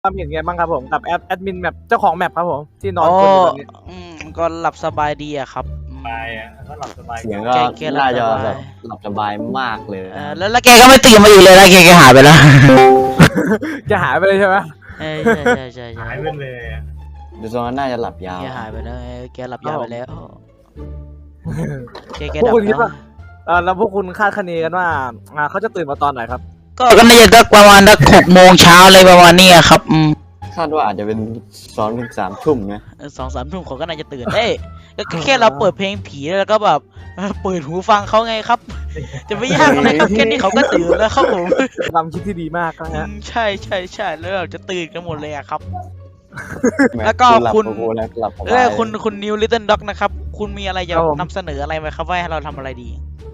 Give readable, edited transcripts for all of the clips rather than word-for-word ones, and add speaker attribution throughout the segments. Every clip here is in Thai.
Speaker 1: ความเห็นไงบ้างครับผมกับแอดมินแมปเจ้าของแมปครับผมที่นอน
Speaker 2: โอ้
Speaker 1: คนอยู่แบบนี้
Speaker 2: ก็หลับสบายดีอะครับ
Speaker 3: สบายอ่ะก็หลับสบาย
Speaker 4: เสียงก็น่าจะแบบหลับสบายมากเลย
Speaker 2: แล้วแกก็ไม่ตื่นมาอีกเลยนะแกหายไปแล้ว
Speaker 1: จะหายไปเลยใช่ไหม
Speaker 2: ใช่
Speaker 3: หายไปเลยอะ
Speaker 4: ดูทรงนั้นน่าจะหลับยาว
Speaker 2: แกหายไปแล้วแกหลับยาวไปแล้วแก
Speaker 1: พวก
Speaker 2: ดับ
Speaker 1: คุณคิด
Speaker 2: แล้ว
Speaker 1: ว่าแล้วพวกคุณคาดคะเนกันว่าเขาจะตื่นมาตอนไหนครับ
Speaker 2: ก็น่าจะสักประมาณสัก6 โมงเช้าเลยประมาณนี้ครับ
Speaker 4: คาดว่าอาจจะเป็น2 ถึง 3 ทุ่มนะ
Speaker 2: 2-3 ทุ่มเขาก็น่าจะตื่นก็แค่เราเปิดเพลงผีแล้วก็แบบเปิดหูฟังเขาไงครับ จะไม่ยากอะไรครับแค่นี้เขาก็ตื่นแล้วครับผม
Speaker 1: ความคิดที่ดีมากนะฮะ
Speaker 2: ใช่แล้วเราจะตื่นกันหมดเลยอะครับ
Speaker 4: แหม
Speaker 2: แล้วก็
Speaker 4: หลับ
Speaker 2: คุณ
Speaker 4: โอ้โหแล้วหลับสบาย
Speaker 2: คุณนิวลิตเติ้ลด็อกนะครับ คุณมีอะไรจะนำเสนออะไรไหมครับว่าให้เราทำอะไรดี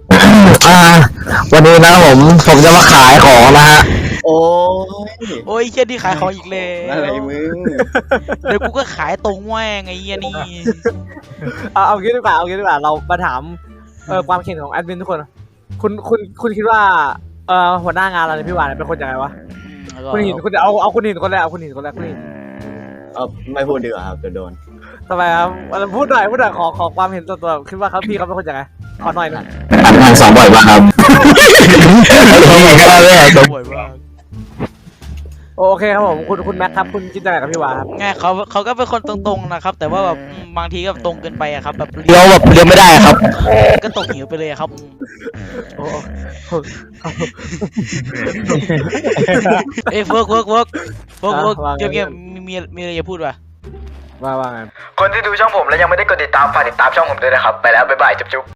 Speaker 5: วันนี้นะผมจะมาขายของนะฮะ
Speaker 4: โอ้ย
Speaker 2: โอ้ยเฮียที่ขายของอีกแล้ว
Speaker 4: อะไรมึง
Speaker 2: เดี๋ยวกูก็ขายตรงแม่งไงเฮียนี่
Speaker 1: เอางี้ดีกว่าเรามาถามความเห็นของแอดมินทุกคนคุณคิดว่าหัวหน้างานเราเนี่ยพี่วานเป็นคนยังไงวะคุณหินคุณเอาคุณหินคนแรกคุณหิน
Speaker 4: ไม่พูดดีกว่าครับจะโดน
Speaker 1: ทำไมครับพูดหน่อยขอความเห็นตัวคิดว่าเขาพี่เขาเป็นคนยังไงขอหน่อยนะ
Speaker 5: ทางสองบ่อยมากครับ
Speaker 2: บ่อยมาก
Speaker 1: โอเคครับผมคุณแม็กครับคุณคิดยังไงกับพี่วานครับ
Speaker 2: ไงเขาก็เป็นคนตรงๆนะครับ แต่ว่าแบบบางทีก็ตรงเกินไปอะครับแบบ
Speaker 5: เลี้ยวไม่ได้ครับ
Speaker 2: ก็ตกหิวไปเลยครับ
Speaker 1: โอ้
Speaker 2: เอ้ยเวิร์กเกี่ยวมีอะไรจะพูดป่ะ
Speaker 1: ว่าไง
Speaker 6: คนที่ดูช่องผมแล้วยังไม่ได้กดติดตามฝากติดตามช่องผมด้วยนะครับ ไปแล้ว บ๊ายบาย จุ๊บ